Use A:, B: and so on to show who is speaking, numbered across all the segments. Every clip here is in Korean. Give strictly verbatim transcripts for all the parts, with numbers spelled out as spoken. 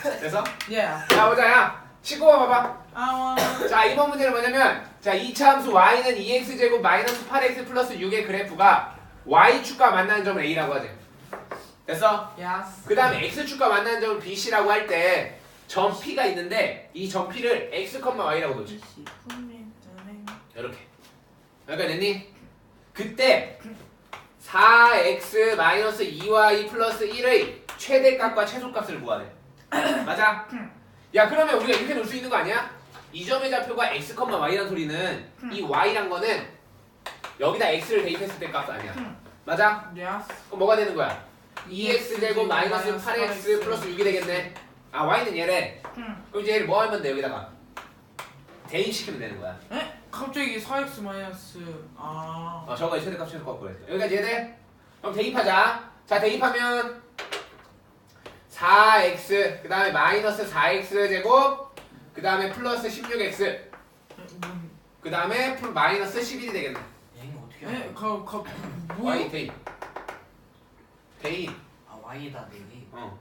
A: 됐어?
B: 예.
A: 자 보자 야 십구 번 봐봐.
B: 아.
A: 자 이번 문제는 뭐냐면 자 이차 함수 y는 이 엑스 제곱 마이너스 팔 엑스 플러스 육의 그래프가 y축과 만나는 점을 a라고 하지. 됐어?
B: 야스.
A: 그 다음에 x축과 만나는 점을 bc라고 할 때 점 p가 있는데 이 점 p를 x, y라고 놓지. 이렇게. 여기까지 됐니? 그때 사 엑스 마이너스 이 와이 플러스 일의 최대값과 최소값을 구하래. 맞아? 야 그러면 우리가 이렇게 놓을 수 있는 거 아니야? 이 점의 좌표가 x, y라는 소리는 이 y란 거는 여기다 x를 대입했을 때 값 아니야. 맞아?
B: 야스.
A: 그럼 뭐가 되는 거야? 이 엑스 제곱 마이너스 팔 엑스 플러스 육이 되겠네. 아 y는 얘래. 그럼 이제 얘를 뭐 하면 돼 여기다가? 대입시키면 되는 거야.
B: 에? 갑자기 사 엑스 마이너스 아.
A: 어 저거 최대값 최소값 그랬어. 여기까지 이해돼? 그럼 대입하자. 자 대입하면 사 엑스 그 다음에 마이너스 사 엑스 제곱 그 다음에 플러스 십육 엑스 그 다음에 마이너스 십일이 되겠네.
C: 얘는 어떻게
B: 에?
C: 알아?
B: 가, 가,
A: y
B: 뭐야?
A: 대입 대입
C: 아 Y에다 내기.
A: 어.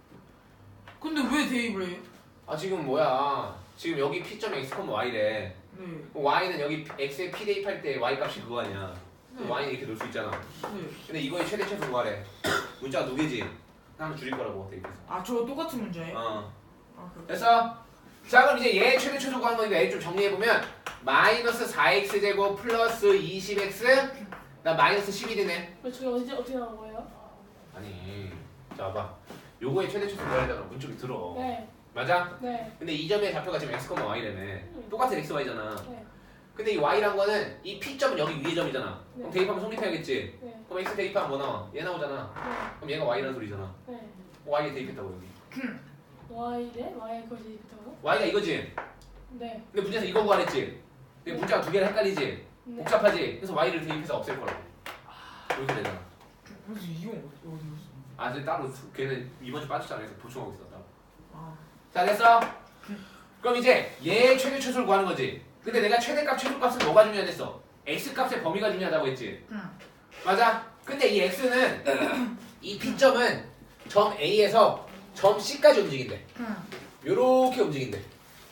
B: 근데 왜 대입을 해요?
A: 아 지금 뭐야 지금 여기 p점 x, y래.
B: 네.
A: y는 여기 x에 p 대입할 때 y 값이 그거 아니야.
B: 네.
A: y는 이렇게 놓을 수 있잖아.
B: 네.
A: 근데 이거의 최대 최소 구하래. 문자가 두 개지. 하나 줄일 거라고 대입해서.
B: 아, 저 똑같은 문제예요?
A: 어.
B: 아, 그렇
A: 됐어? 자 그럼 이제 얘 최대 최소 구하는 거니까 얘 좀 정리해보면 마이너스 사 엑스 제곱 플러스 이십 엑스 나 마이너스 십일이네.
D: 왜 저게 어디 어떻게 나온 거예요?
A: 아니 자 봐봐 요거의 최대 최소 구하려면 문 좀 들어.
D: 네,
A: 맞아?
D: 네,
A: 근데 이 점의 좌표가 지금 x, y라며. 똑같은 x, y잖아.
D: 네,
A: 근데 이 y란 거는 이 p점은 여기 위에 점이잖아. 그럼
D: 네.
A: 대입하면 성립해야겠지.
D: 네,
A: 그럼 x 대입하면 뭐 나와? 얘 나오잖아.
D: 네,
A: 그럼 얘가 y라는 소리잖아.
D: 네.
A: y에 대입했다고 여기.
D: Y래? Y 거기 있다고?
A: y가 이거지.
D: 네,
A: 근데 문제에서 이거 구하랬지. 근데 문자가 두 개를 헷갈리지.
D: 네.
A: 복잡하지. 그래서 y를 대입해서 없앨 거라고. 이렇게 되잖아.
B: 그래서 이용 어디 어디 있어?
A: 아, 이제 따로 수- 걔는 이번 주 빠졌잖아. 그래서 보충하고 있어. 따로.
B: 아.
A: 자, 됐어. 그럼 이제 얘 최대 최소를 구하는 거지. 근데 내가 최대값 최소값은 뭐가 중요하댔어? x 값의 범위가 중요하다고 했지.
B: 응.
A: 맞아. 근데 이 x는 이 p점은 점 A에서 점 C까지 움직인대.
B: 응.
A: 요렇게 움직인대.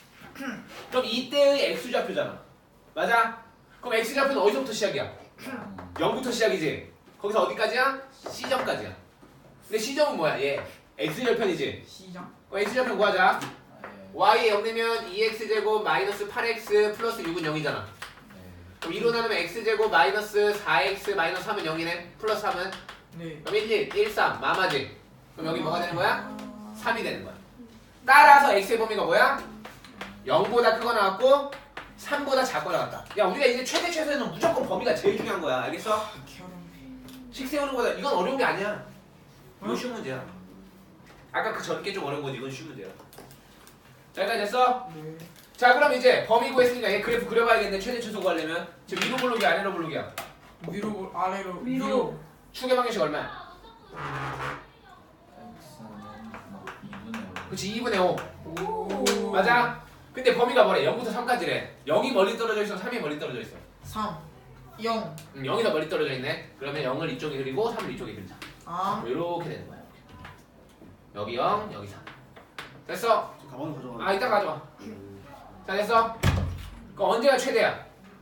A: 그럼 이때의 x좌표잖아. 맞아? 그럼 x좌표는 어디서부터 시작이야? 영부터 시작이지. 거기서 어디까지야? C점까지야. 근데 C점은 뭐야? 얘 x절편이지.
B: 시장.
A: 그럼 x절편 구하자. y에 영 되면 이 엑스 제곱 마이너스 팔 엑스 플러스 육은 영이잖아. 그럼 이로 나누면 x제곱 마이너스 사 엑스 마이너스 삼은 영이네. 플러스 삼은
B: 네.
A: 그럼 일, 일, 일, 삼 마마지. 그럼 여기 뭐가 되는 거야? 삼이 되는 거야. 따라서 x의 범위가 뭐야? 영보다 크거나 같고 삼보다 작거나 같다. 야 우리가 이제 최대 최소에는 무조건 범위가 제일 중요한 거야. 알겠어? 식 세우는 거다. 이건 어려운 게 아니야. 이건 쉬운 문제야. 아까 그 전께 좀 어려운 거지. 이건 쉬운 문제야. 자 여기까지 됐어?
B: 네.
A: 자 그럼 이제 범위 구했으니까 얘 그래프 그려봐야겠네. 최대 최소 구하려면 지금 위로 볼록이야 아래로 볼록이야?
B: 위로 아래로
D: 위로.
B: 위로.
A: 축의 방정식 얼마야?
C: 이분의
A: 그치 이분의 오.
B: 오.
A: 맞아? 근데 범위가 뭐래? 영부터 삼까지래. 영이 멀리 떨어져 있어? 삼이 멀리 떨어져 있어?
B: 삼. 영.
A: 음, 영이 더 멀리 떨어져 있네. 그러면 영을 이쪽에 그리고 삼을 이쪽에 그리자.
B: 아.
A: 이렇게 되는 거야. 여기 영, 여기 삼. 됐어?
E: 저 가방을 가져가.
A: 아 이따 가져와. 자 됐어? 그럼 언제가 최대야?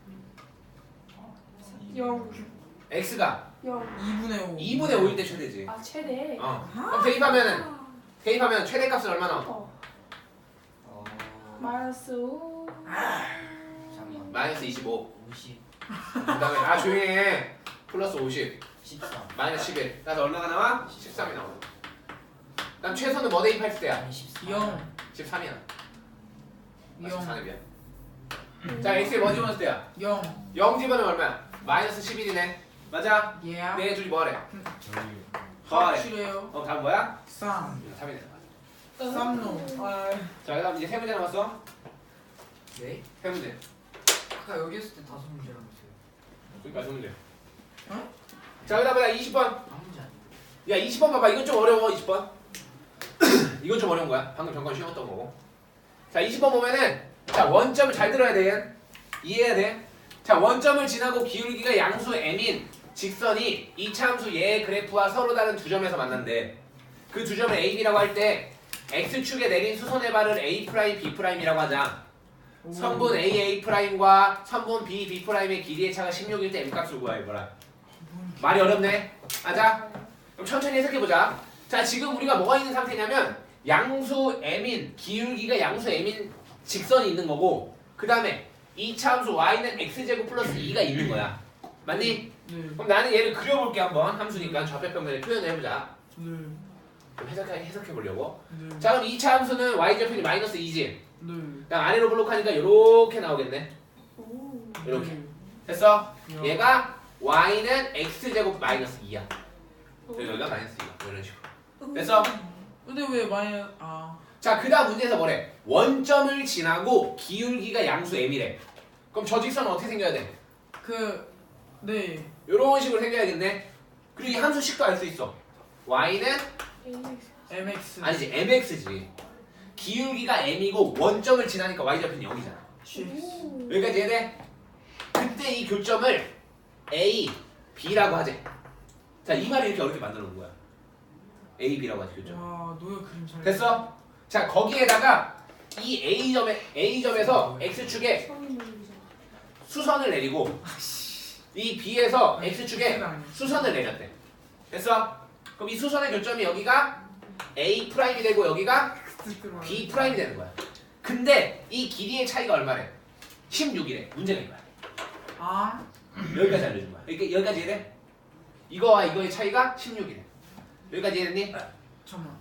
D: 영,
A: x가
D: 영.
B: 이분의 오.
A: 이분의 오일 때 최대지.
D: 아 최대.
A: 어. 그럼 대입하면은 대입하면 최대값은 얼마 나와?
D: 어,
C: 어...
D: 마이너스 오.
C: 잠깐만.
A: 마이너스 이십오.
C: 오십.
A: 그 다음에 아 조용히 해. 플러스 오십.
C: 십삼.
A: 마이너스 십일. 그래서 얼마가 나와? 십삼이 나와. 그럼 최소는 뭐 대입할 때야?
C: 아니 십삼.
B: 영.
A: 십삼이야. 아,
B: 영.
A: 십삼이야. 자 x에 뭐 집어넣을 때야?
B: 영.
A: 영 집어넣으면 얼마야? 마이너스 십일이네. 맞아?
B: 예.
A: 네 둘이 뭐하래? 더하래.
B: 확실해요.
A: 어 다음 뭐야?
B: 삼.
A: 삼이네.
B: 삼노. 아.
A: 자 그다음 이제 세 문제 남았어.
C: 네?
A: 세 문제.
C: 아까 여기 있을 때 다섯 문제라고 했어요.
A: 그러니까 세 문제.
B: 어?
A: 자 그다음 뭐야? 이십 번.
C: 한 문제 아니에요?
A: 야 이십 번 봐봐. 이건 좀 어려워. 이십 번. 이건 좀 어려운 거야. 방금 잠깐 쉬웠던 거고. 자 이십 번 보면은 자 원점을 잘 들어야 돼. 이해해야 돼. 자 원점을 지나고 기울기가 양수 m인 직선이 이차 함수 얘의 그래프와 서로 다른 두 점에서 만난대. 그 두 점을 A, B라고 할 때 x축에 내린 수선의 발을 A 프라임, B 프라임이라고 하자.
B: 오.
A: 선분 A, A 프라임과 선분 B, B 프라임의 길이의 차가 십육일 때 m값을 구하해 보라. 말이 어렵네. 맞아? 그럼 천천히 해석해보자. 자, 지금 우리가 뭐가 있는 상태냐면 양수 m인 기울기가 양수 m인 직선이 있는 거고, 그 다음에 이 차 함수 y는 x제곱 플러스 이가 있는 거야. 맞니?
B: 네.
A: 그럼 나는 얘를 그려볼게 한번. 함수니까 좌표평면에 표현을 해보자.
B: 네.
A: 좀 해석해, 해석해보려고.
B: 네.
A: 자, 그럼 이 차 함수는 y좌표이 마이너스 이지.
B: 네.
A: 그냥 아래로 블록하니까 이렇게 나오겠네.
D: 오.
A: 이렇게.
B: 네.
A: 됐어?
B: 야.
A: 얘가 y는 x제곱 마이너스 이야.
D: 오.
A: 여기가 마이너스 이야. 이런 식으로. 됐어?
B: 근데 왜 많이 아.
A: 자, 그 다음 문제에서 뭐래? 원점을 지나고 기울기가 양수 m이래. 그럼 저 직선은 어떻게 생겨야 돼?
B: 그 네.
A: 이런 식으로 생겨야겠네. 그리고 이 함수식도 알 수 있어. y는
B: 엠엑스.
A: 아니지 mx지. 기울기가 m이고 원점을 지나니까 y좌표는 영이잖아.
D: 오.
A: 여기까지 이해돼? 그때 이 교점을 A, B라고 하재. 자, 이 말을 이렇게 어렵게 만들어 놓은 거야. A, B라고 하지 교점.
B: 와, 노예 그림 잘.
A: 됐어? 자, 거기에다가 이 A점에 A점에서 X축에 수선을 내리고 이 B에서 X축에 수선을 내렸대. 됐어? 그럼 이 수선의 교점이 여기가 A 프라임이 되고 여기가 B 프라임이 되는 거야. 근데 이 길이의 차이가 얼마래? 십육이래. 문제가 이거야.
B: 아.
A: 여기까지 알려준 거야. 여기, 여기까지 이해돼? 이거와 이거의 차이가 십육이래. 여기까지 이해됐니?
B: 잠깐만.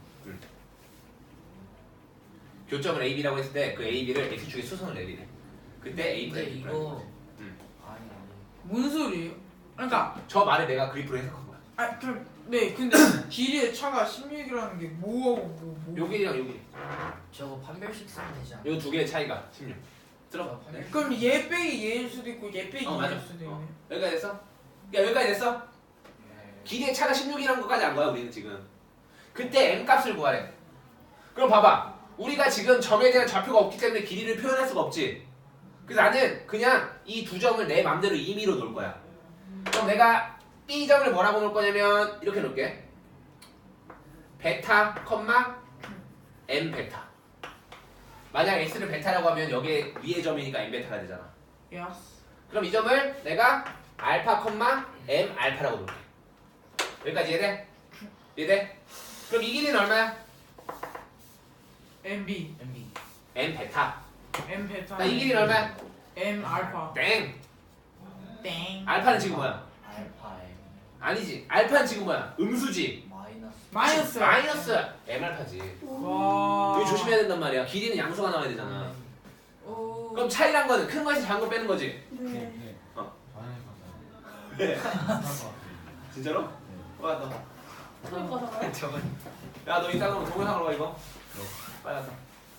A: 교점을 A, B라고 했을 때 그 A, B를 X축에 수선을 내리래. 그때 A
C: 근데
A: 프라임, B 프라임.
C: 이거
A: 음.
C: 아니 아니
B: 뭔 소리예요? 그러니까
A: 저 말을 내가 그리프로 해석한 거야.
B: 아, 그럼 네. 근데 길이의 차가 십육이라는 게 뭐하고 뭐 뭐.
A: 요 길이랑 요 길이.
C: 저거 판별식 쓰면 되지 않아?
A: 요 두 개의 차이가 십육. 들어.
C: 네.
B: 그럼 얘 빼기 얘일 수도 있고 얘 빼기
A: 어, 맞아.
B: 얘일 수도 있네.
A: 어. 여기까지 됐어? 야, 여기까지 됐어? 길이의 차가 십육이라는 것까지 안 거야, 우리는 지금. 그때 m 값을 구하래. 그럼 봐봐. 우리가 지금 점에 대한 좌표가 없기 때문에 길이를 표현할 수가 없지. 그래서 나는 그냥 이 두 점을 내 맘대로 임의로 놓을 거야. 그럼 내가 B점을 뭐라고 놓을 거냐면 이렇게 놓을게. 베타, 컴마, M 베타. 만약 X를 베타라고 하면 여기에 위의 점이니까 M 베타가 되잖아.
B: 야스.
A: 그럼 이 점을 내가 알파, 컴마, M 알파라고 놓을게. 여기까지 이해돼? 이해돼? 그럼 이 길이는 얼마야?
B: 엠비.
C: 엠비
A: M 베타.
B: M 베타.
A: 나 이 길이는 얼마야?
B: M 알파.
A: 땡.
B: 땡.
A: 알파는 지금 뭐야?
C: 알파 M
A: 아니지. 알파는 지금 뭐야? 음수지.
C: 마이너스
B: 마이너스.
A: 마이너스 M 알파지.
B: 와.
A: 여기 조심해야 된단 말이야. 길이는 양수가 나와야 되잖아.
B: 오.
A: 그럼 차이란 거는 큰 거에서 작은 거 빼는 거지.
D: 네.
A: 왜? 진짜로? 와, 너.
D: 그럴 거잖아요.
C: 저건
A: 야, 너 이따가 동영상으로 가 이거. 빨리 왔다.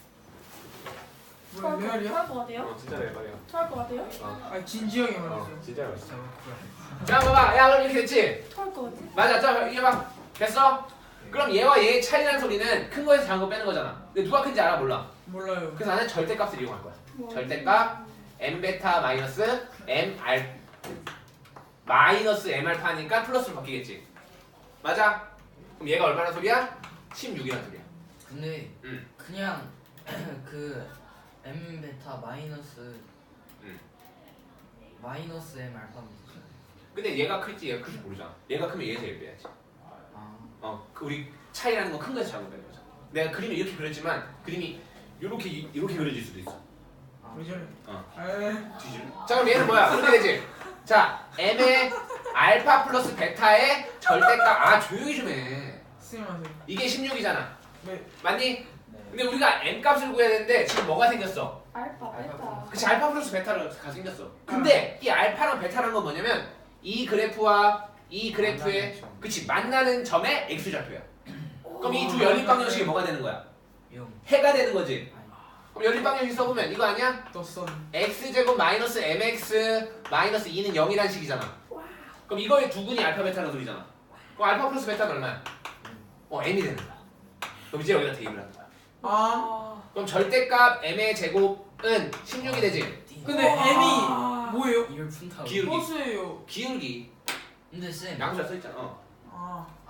B: 뭐야 레알이야?
D: 토할 것 같아요?
A: 어, 진짜 내 말이야.
D: 토할 것 같아요?
A: 어,
B: 아 진지하게
A: 어,
B: 말했어.
A: 진짜 맛있어. 자, 봐봐. 야, 그럼 이렇게 됐지?
D: 토할 것 같아?
A: 맞아. 자, 이게 봐. 됐어? 그럼 얘와 얘의 차이라는 소리는 큰 거에서 작은 거 빼는 거잖아. 근데 누가 큰지 알아? 몰라.
B: 몰라요.
A: 그래서 나는 절대값을 이용할 거야.
D: 뭐.
A: 절대값 m 베타 마이너스 m 알 마이너스 m 알파니까 플러스로 바뀌겠지. 맞아? 그럼 얘가 얼마나 소리야? 십육이란 소리야.
C: 근데
A: 음.
C: 그냥 그 M 베타 마이너스
A: 음.
C: 마이너스 M 알파입니다.
A: 근데 얘가 클지 얘가 클지 모르잖아. 얘가 크면 얘에서 얘 빼야지.
C: 아
A: 어, 그 우리 차이라는 건 큰 거에서 작은 거 빼는 거잖아. 내가 그림을 이렇게 그렸지만 그림이 이렇게 이렇게 그려질 수도 있어.
B: 왜 저래?
A: 어.
B: 에이.
A: 뒤질. 자, 그럼 얘는 뭐야? 그렇게 되지. 자, m의 알파 플러스 베타의 절대값. 아, 조용히 좀 해.
B: 스님하세요.
A: 이게 십육이잖아.
B: 네.
A: 맞니?
C: 네.
A: 근데 우리가 m 값을 구해야 되는데 지금 뭐가 생겼어?
D: 알파, 베타.
A: 그치, 알파 플러스 베타가 생겼어. 근데 이 알파랑 베타라는 건 뭐냐면 이 그래프와 이 그래프의 그치 만나는 점의 x좌표야. 그럼 이 두 연립 방정식이 뭐가 되는 거야?
C: 영
A: 해가 되는 거지.
C: 아니
A: 그럼 연립 방정식 써보면 이거 아니야?
B: 떴어.
A: x제곱 마이너스 mx 마이너스 이는 영이라는 식이잖아. 그럼 이거의 두근이 알파 베타라는 소리잖아. 그럼 알파 플러스 베타는 얼마야? 어, m이 되는 거야. 그럼 이제 여기다 대입을 하는 거야.
B: 아.
D: 아.
A: 그럼 절대값 m의 제곱은 십육이 되지.
B: 근데
D: 와.
B: M이 뭐예요?
C: 이걸 푼다고
A: 기울기.
B: 버스예요.
A: 기울기
C: 근데 쌤
A: 양수가 써있잖아. 어.
B: 아.
C: 아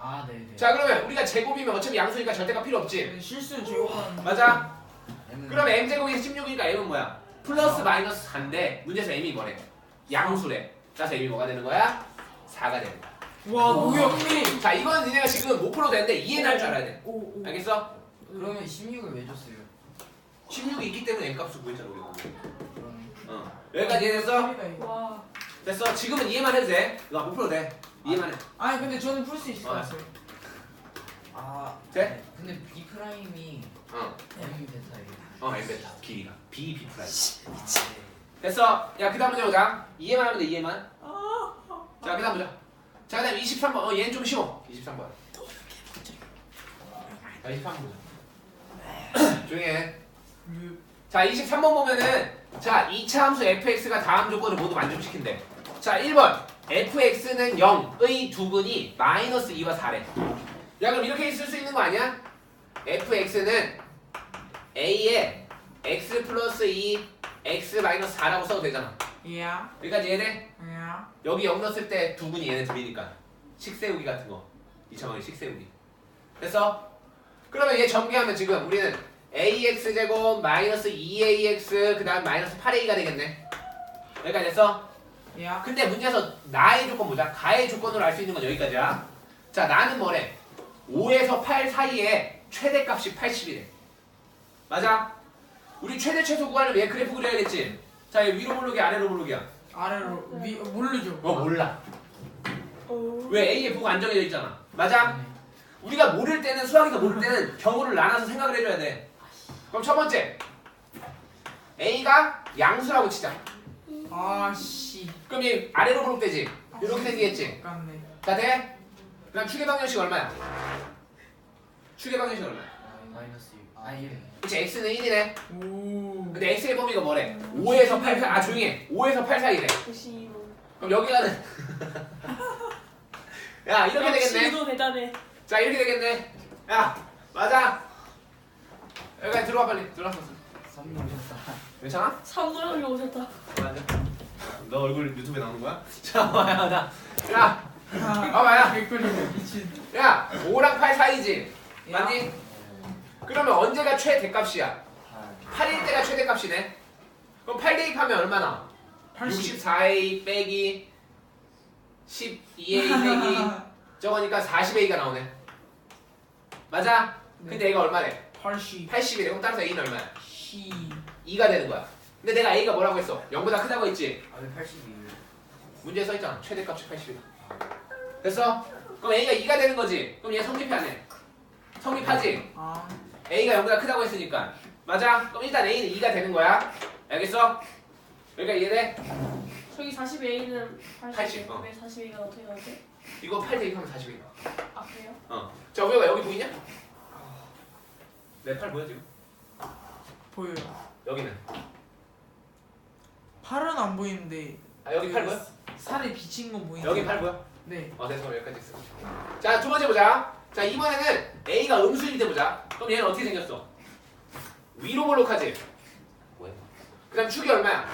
C: 아 네네.
A: 자 그러면 우리가 제곱이면 어차피 양수니까 절대가 필요 없지.
B: 네, 실수는 제곱하는.
A: 맞아?
C: M은
A: 그럼 m제곱이 십육이니까 m은 뭐야? 플러스 마이너스 사인데 문제에서 m이 뭐래? 양수래. 그래서 m이 뭐가 되는 거야? 사가 되는 거야.
B: 와 뭐야 근데.
A: 자 이건 니네가 지금 못 풀어도 되는데 이해는 할 줄 알아야 돼.
B: 오 오.
A: 알겠어?
C: 그러면 십육을 왜 줬어요?
A: 십육이 있기 때문에 m값을 구했잖아 우리가.
C: 그럼
A: 어. 여기까지 이해됐어?
D: 와.
A: 됐어. 지금은 이해만 해도 돼. 너 못 풀어도 돼. 이해만 해.
B: 아니 근데 저는 풀 수 있을 것
A: 어.
B: 같아요.
C: 아
A: 돼?
C: 네. 근데 B 프라임이
A: 어.
C: M 베타예요.
A: 어 m 베타 길이가 b b 프라임.
C: 아, 네.
A: 됐어. 야 그다음 문제 보자. 이해만 하면 돼. 이해만. 자 그다음 보자. 자 그다음 이십삼 번. 어 얘는 좀 쉬워. 이십삼 번. 자 이십삼 번 보자. 조용히 해.
B: 유-
A: 자 이십삼 번 보면은 자 이 차 함수 fx가 다음 조건을 모두 만족시킨대. 자 일 번 fx는 영의 두근이 마이너스 이와 사래. 야 그럼 이렇게 쓸 수 있는 거 아니야? fx는 a에 x 플러스 이 x 마이너스 사라고 써도 되잖아.
B: 야.
A: 여기까지 이해돼?
B: 야.
A: 여기 영 넣었을 때 두근이 얘네 둘이니까 식세우기 같은 거 이차방의 식세우기 됐어? 그러면 얘 전개하면 지금 우리는 ax제곱 마이너스 이 에이엑스 그 다음 마이너스 팔 에이가 되겠네. 여기까지 됐어?
B: 야.
A: 근데 문제에서 나의 조건 보자. 가의 조건으로 알 수 있는 건 여기까지야. 자 나는 뭐래? 오에서 팔 사이에 최대값이 팔십이래. 맞아? 우리 최대 최소 구하려면 얘 그래프 그려야겠지? 자 얘 위로 모르기 아래로 모르기야.
B: 아래로 위 모르죠.
A: 어 몰라.
D: 오.
A: 왜 A의 부가 안 정해져 있잖아. 맞아?
C: 네.
A: 우리가 모를 때는 수학에서 모를 때는 경우를 나눠서 생각을 해줘야 돼. 그럼 첫 번째 A가 양수라고 치자.
B: 아씨.
A: 그럼 얘 아래로 부르면 되지. 이렇게 생기겠지.
B: 깜네.
A: 자 돼? 그다음 축의 방정식 얼마야? 축의 방정식 얼마야?
C: 마이너스 육. 아 일.
A: 그치 x는 일이네.
B: 오.
A: 근데 x의 범위가 뭐래? 오에서 팔 사. 아 조용히 해. 오에서 팔 사이래.
D: 구십오.
A: 그럼 여기가는 야 이렇게 되겠네.
D: 역시도 대단해.
A: 자 이렇게 되겠네. 야 맞아. 여기까지 들어와 빨리. 들어와서.
C: 선물 오셨다.
A: 괜찮아?
D: 삼노랑이 오셨다.
A: 맞아. 너 얼굴 유튜브에 나오는 거야? 자 와야 나. 야 봐봐야.
B: 개꿀이네 미친.
A: 야 오랑 팔 사이지. 맞니? 그러면 언제가 최대값이야? 팔일 때가 최대값이네. 그럼 팔 대입하면 얼마나?
B: 팔십.
A: 육십사 에이 빼기 십이 에이 빼기 저거니까 사십 에이가 나오네. 맞아? 근데 얘가 얼마래?
B: 팔십.
A: 팔십이래. 그럼 따라서 A는 얼마야?
B: 시.
A: 이가 되는 거야. 근데 내가 A가 뭐라고 했어? 영보다 크다고 했지?
C: 아왜 팔십이?
A: 문제에 써있잖아. 최대값이 팔십이다. 됐어? 그럼 A가 이가 되는 거지? 그럼 얘 성립해 안 해? 성립하지?
B: 아.
A: A가 영보다 크다고 했으니까. 맞아? 그럼 일단 A는 이가 되는 거야. 알겠어? 그러니까 이해돼?
D: 저기 사십 에이는 팔십.
A: 팔십, 어.
D: 왜 사십 에이가 어떻게 나오지?
A: 이거 팔 대입하면 사십 에이.
D: 아 그래요?
A: 어. 자, 우리가 여기 보이냐? 내 팔 보여 지금?
B: 보여요.
A: 여기는.
B: 팔은 안 보이는데.
A: 아, 여기
B: 그
A: 팔 보여?
B: 살에 비친 건 보이는데.
A: 여기 팔 보여?
B: 네.
A: 어, 됐어. 그럼 여기까지 있어. 자, 두 번째 보자. 자, 이번에는 A가 음수일 때 보자. 그럼 얘는 어떻게 생겼어? 위로 볼록하지? 뭐야? 그 다음 축이 얼마야?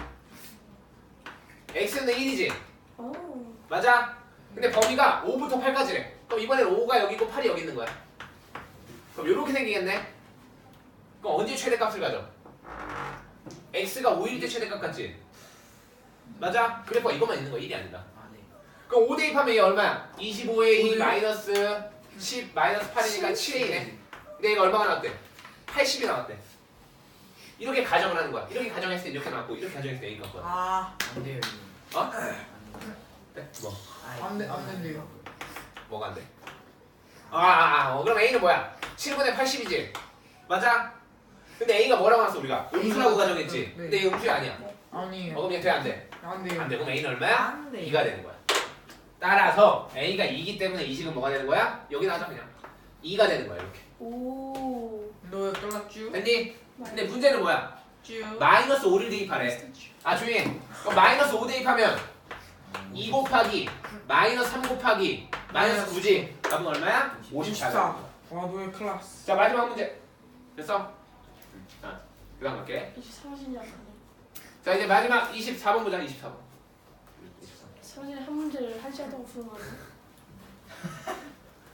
A: X는 일이지?
D: 오.
A: 맞아? 근데 범위가 오부터 팔까지래. 그럼 이번에는 오가 여기 있고 팔이 여기 있는 거야. 그럼 이렇게 생기겠네? 그럼 언제 최대값을 가져? X가 오일 때 최대값 같지? 맞아? 그래프가 이것만 있는 거야. 일이 아니다.
C: 아 네.
A: 그럼 오 대입하면 얘 얼마야? 이십오 에이
B: 오대요?
A: 마이너스 십 마이너스 팔이니까 칠 에이네. 근데 얘가 얼마가 나왔대? 팔십이 나왔대. 이렇게 가정을 하는 거야. 이렇게 가정했을 때 이렇게 나왔고 이렇게 가정했을 때 A가 나왔거든.
B: 아.
C: 안 돼요 이거.
A: 어?
C: 안 돼요.
A: 네? 뭐?
C: 아,
B: 안 돼, 안 된대요.
A: 뭐가 안 돼? 아, 아, 아 어, 그럼 A는 뭐야? 칠분의 팔십이지? 맞아? 근데 A가 뭐라고 나왔어 우리가? 음수라고 가정했지?
B: 네.
A: 근데 얘 음수야 아니야? 어
B: 아니에요.
A: 그럼 얘 돼? 안 돼?
B: 안 돼요.
A: 안 돼. 그럼 A는 얼마야?
B: 안 돼.
A: 이가 되는 거야. 따라서 A가 이기 때문에 이 식은 뭐가 되는 거야? 여기 나와서 그냥 이가 되는 거야 이렇게.
D: 오.
B: 너 떨랐쥬?
A: 됐니? 근데 문제는 뭐야?
B: 쭈.
A: 마이너스 오를 대입하래. 아 조용히 해. 그럼 마이너스 오 대입하면 이 곱하기 마이너스 삼 곱하기 마이너스 구지. 답은 얼마야? 오십사.
B: 오십사. 와 너의 클라스.
A: 자 마지막 문제. 됐어? 자 그 다음 갈게.
D: 이제 사라지지 않네.
A: 자 이제 마지막 이십사 번 보자. 이십사 번.
D: 사라지는 한 문제를 한 시간 동안 푸는 거네.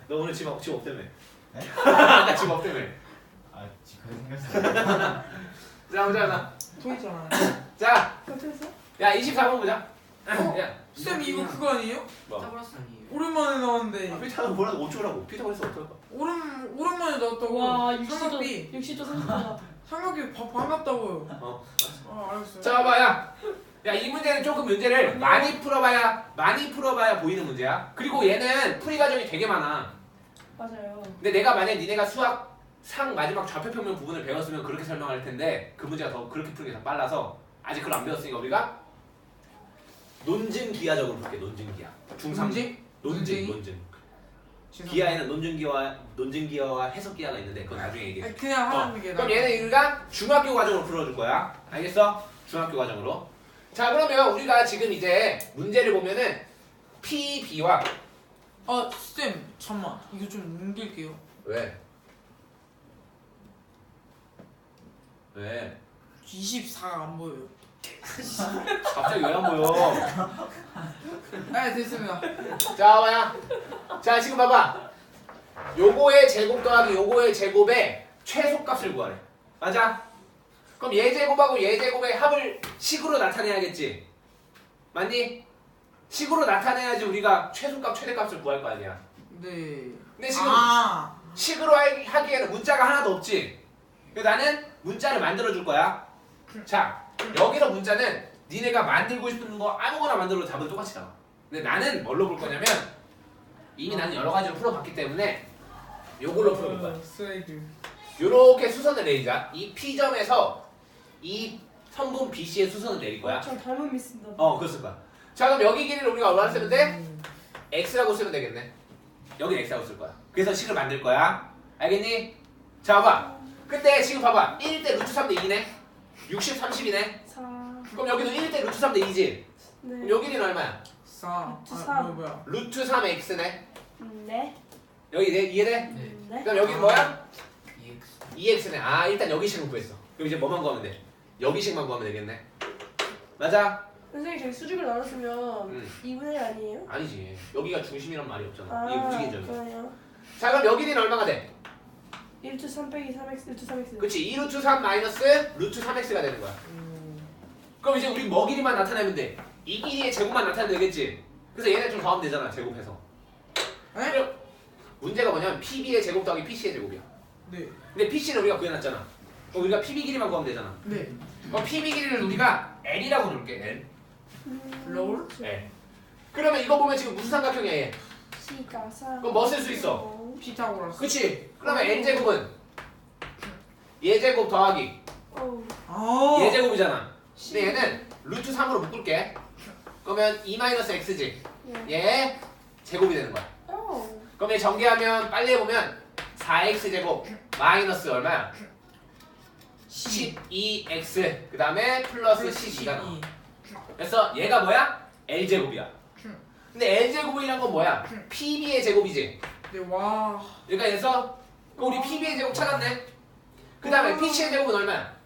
A: 너 오늘 집, 없, 집 없다며. 아까 집 없다며.
E: 아 지금 생겼어요.
A: 자 보자 나.
B: 또 있잖아.
A: 자,
D: 어떻게 했어?
A: 야 이십사 번 보자.
B: 어?
A: 야,
B: 쌤 이거 그거 아니에요?
A: 뭐?
C: 짜브라스 아니에요?
B: 오랜만에 나왔는데
A: 피타가 뭐라고 어쩌라고? 피타고라스 어쩌라고?
B: 오랜 오랜만에 나왔다고.
D: 와 육십 도
B: 삼각비
D: 육십 도 삼십 도다.
B: 삼각비 바, 반갑다고요.
A: 어.
B: 아 알겠어요.
A: 자 봐야. 야 이 문제는 조금 문제를 많이 풀어봐야 많이 풀어봐야 보이는 문제야. 그리고 얘는 풀이 과정이 되게 많아.
D: 맞아요.
A: 근데 내가 만약 니네가 수학 상 마지막 좌표평면 부분을 배웠으면 그렇게 설명할 텐데 그 문제가 더 그렇게 푸는 게 더 빨라서 아직 그걸 안 배웠으니까 우리가 논증기하적으로 볼게. 논증기하. 중삼
B: 문제?
A: 논증
B: 논증이?
A: 논증.
B: 죄송합니다.
A: 기하에는 논증기와 논증기하와 해석기하가 있는데 그건 나중에 얘기해.
B: 아니, 그냥
A: 어,
B: 하는 게
A: 그럼
B: 나아.
A: 얘는 우리가 중학교 과정으로 풀어줄 거야. 알겠어? 중학교 과정으로. 자 그러면 우리가 지금 이제 문제를 보면은 P, B와
B: 아 쌤 잠만 이거 좀 옮길게요.
A: 왜? 왜?
B: 이십사가 안 보여요.
A: 갑자기 왜 안 보여?
B: 네 됐습니다.
A: 자 봐야. 자 지금 봐봐. 요거의 제곱 더하기 요거의 제곱의 최소값을 구하래. 맞아? 그럼 얘 제곱하고 얘 제곱의 합을 식으로 나타내야겠지? 맞니? 식으로 나타내야지 우리가 최소값 최대값을 구할 거 아니야.
B: 네.
A: 근데 지금
B: 아
A: 식으로 하- 하기에는 문자가 하나도 없지. 그래서 나는 문자를 만들어 줄 거야. 자 여기서 문자는 니네가 만들고 싶은 거 아무거나 만들어도 답은 똑같이 나와. 근데 나는 뭘로 볼 거냐면 이미 나는 여러 가지로 풀어봤기 때문에 요걸로 풀어볼 거야.
B: 스웨이드.
A: 요렇게 수선을 내리자. 이 P점에서 이 선분 비씨의 수선을 내릴 거야.
D: 저 닮은 미스인다.
A: 어 그랬을 거야. 자 그럼 여기 길이를 우리가 얼마나 쓰면 돼?
B: 음.
A: X라고 쓰면 되겠네. 여기 X라고 쓸 거야. 그래서 식을 만들 거야. 알겠니? 자 봐봐. 근데 지금 봐봐. 일 대 루트 삼 대 이네. 육십, 삼십이네.
D: 사.
A: 그럼 여기도 일 대 루트 삼 대 이지. 그럼
D: 네.
A: 여기는 얼마야?
B: 싸.
D: 루트
B: 아
D: 삼.
B: 뭐야 뭐야.
A: 루트 삼 X네.
D: 음, 네.
A: 여기 네, 이해돼?
D: 음, 네.
A: 그럼 여기는 뭐야?
C: 이엑스.
A: 이 엑스네. 아 일단 여기 식을 구했어. 그럼 이제 뭐만 구하면 돼? 여기 식만 구하면 되겠네. 맞아?
D: 선생님 저희 수직을 나눴으면
A: 응.
D: 이분의 일 아니에요?
A: 아니지. 여기가 중심이란 말이 없잖아.
D: 아,
A: 이게 움직인 점이.
D: 그러네요.
A: 자 그럼 여기는 얼마가 돼?
D: 일 루트 삼 빼기 삼 엑스 루트 삼 엑스.
A: 그치. 이 루트 삼 마이너스 루트 삼 엑스가 되는 거야.
B: 음.
A: 그럼 이제 우리 뭐 길이만 나타내면 돼. 이 길이의 제곱만 나타내면 되겠지. 그래서 얘네 좀 더하면 되잖아. 제곱해서.
B: 에?
A: 그럼 문제가 뭐냐면 피비의 제곱 더하기 피씨의 제곱이야.
B: 네.
A: 근데 피씨는 우리가 구해놨잖아. 그럼 우리가 피비 길이만 구하면 되잖아.
B: 네.
A: 그럼 피비 길이를 우리가 L이라고 부를게. L.
D: 음,
B: 롤?
A: L. 그러면 이거 보면 지금 무슨 삼각형이야 얘?
D: C가 사.
A: 그럼 뭐 쓸 수 있어?
B: 피타고라스.
A: 그치? 그러면 N제곱은 얘 제곱 더하기
D: 어우.
B: 아.
A: 얘 제곱이잖아. 근데 얘는 루트 삼으로 묶을게. 그러면 이 마이너스 X지.
D: 네.
A: 얘 제곱이 되는 거야.
D: 어우.
A: 그럼 얘 전개하면 빨리 해보면 사 엑스 제곱 마이너스 얼마야? 십이 엑스 그 다음에 플러스 십이가 나와. 그래서 얘가 뭐야? L제곱이야. 근데 L제곱이란 건 뭐야? 피비의 제곱이지.
B: 네 와.
A: 그러니까 그래서 그럼 우리 피비의 제곱 찾았네. 그 다음에 피씨의 제곱은 얼마야?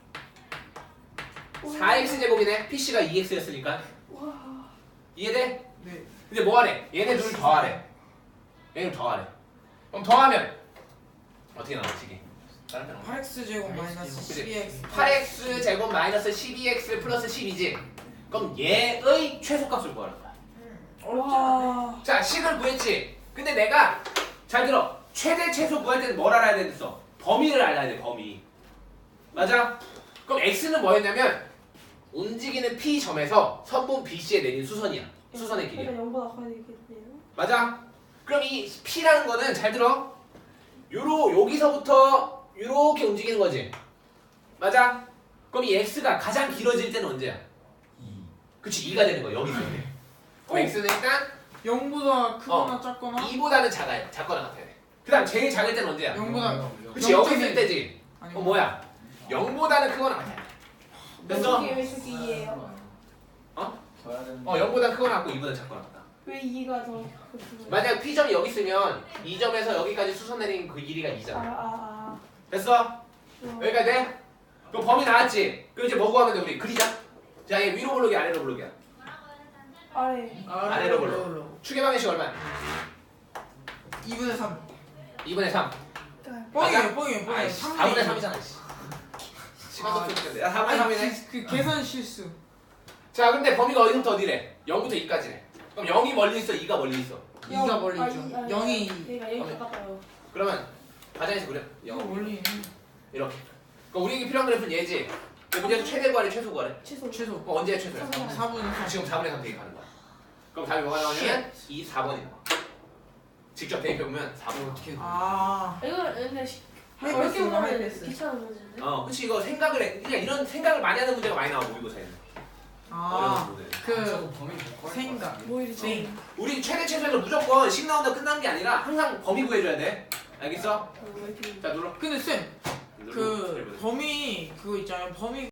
A: 사 엑스 제곱이네. 피씨가 이 엑스였으니까.
D: 와.
A: 이해돼?
B: 네.
A: 근데 뭐 하래? 얘네 둘 더하래. 얘네 더하래. 그럼 더하면 어떻게 나와 식이? 다른 데 나와.
B: 팔 엑스 제곱 마이너스
A: 그치?
B: 십이 엑스.
A: 팔 엑스 제곱 마이너스 십이 엑스 플러스 십이지. 그럼 얘의 최소값을 구하는 거야.
B: 어렵지 않네.
D: 와.
A: 자, 식을 구했지. 근데 내가 잘 들어. 최대 최소 구할 때는 뭘 알아야 되겠어? 범위를 알아야 돼. 범위. 맞아? 그럼 x는 뭐였냐면 움직이는 p 점에서 선분 bc에 내린 수선이야. 수선의 길이야.
D: 그러니까 영보다 커야 되겠네요.
A: 맞아? 그럼 이 p라는 거는 잘 들어. 요로 여기서부터 요렇게 움직이는 거지. 맞아? 그럼 이 x가 가장 길어질 때는 언제야?
E: 이.
A: 그치, 이가 되는 거야. 여기서. 그럼 x는 일단
B: 영보다 크거나
A: 어.
B: 작거나.
A: 이보다는 작아야, 작거나 같아야 돼. 그 다음 제일 작을 때는 언제야?
B: 영보다.
A: 그치, 여기 있을
B: 영점일.
A: 때지.
B: 아니,
A: 어, 뭐야? 영보다는 크거나 같아야 돼. 그래서
D: 왜 저기 이예요?
E: 둬야 되는.
A: 어, 영보다 크거나 같고 이보다 작거나 같다.
D: 왜 이가 더 그렇구나.
A: 만약 P점이 여기 있으면 이 점에서 여기까지 수선 내린 그 길이가
D: 아,
A: 이잖아.
D: 아,
A: 됐어?
D: 아.
A: 여기까지 돼? 그럼 범위 나왔지? 그럼 이제 뭐 구하면 돼? 우리 그리자. 자, 얘 위로 블록이 아래로 블록이야.
D: 아래.
A: 아래로 불러. 추계 방정식 얼마야?
B: 이분의 삼.
A: 이분의 삼.
B: 뻥이에요 뻥이에요 뻥이에요.
A: 아이씨, 사분의 삼이잖아. 시간
B: 아,
A: 속도인데. 야, 사분의 삼이네.
B: 그, 그 계산 실수.
A: 자, 근데 범위가 어디부터 어디래? 영부터 이까지래. 그럼 영이 멀리 있어, 이가 멀리 있어.
B: 이가 멀리
D: 아,
B: 있죠.
D: 이- 아니,
B: 영이 이.
D: 그러니까 여기 가까워요.
A: 그러면 과장에서 그래.
B: 이거
A: 영
B: 멀리 있는.
A: 이렇게. 그럼 우리에게 필요한 그래프는 얘지. 그 문제에서 최대 구하래, 최소 구하래.
D: 최소.
B: 최소.
A: 그럼 언제 최소야?
D: 사분의
B: 사 분의 삼.
A: 지금 사분의 삼 대입하는 거야. 그럼 답이 뭐가 나오냐면 이 사 번이 나와. 직접 대입해보면 사 번.
C: 어떻게
B: 아.
D: 이거 근데 시-
B: 하이패스,
D: 어렵게 보면
B: 하이패스.
D: 귀찮은 문제인데.
A: 어, 그치. 이거 생각을 해. 그냥 이런 생각을 많이 하는 문제가 많이 나와, 모의고사에는. 어려운
B: 아.
A: 문제.
B: 그
C: 범위 못 구할
B: 생각.
C: 것
D: 뭐 이리
B: 생.
A: 우리 최대 최소에서 무조건 십 나온다 끝난 게 아니라 항상 범위 구해줘야 돼. 알겠어?
D: 어, 왜 이렇게
A: 자, 눌러.
B: 근데 쌤,
A: 눌러.
B: 그 범위 그거 있잖아요. 범위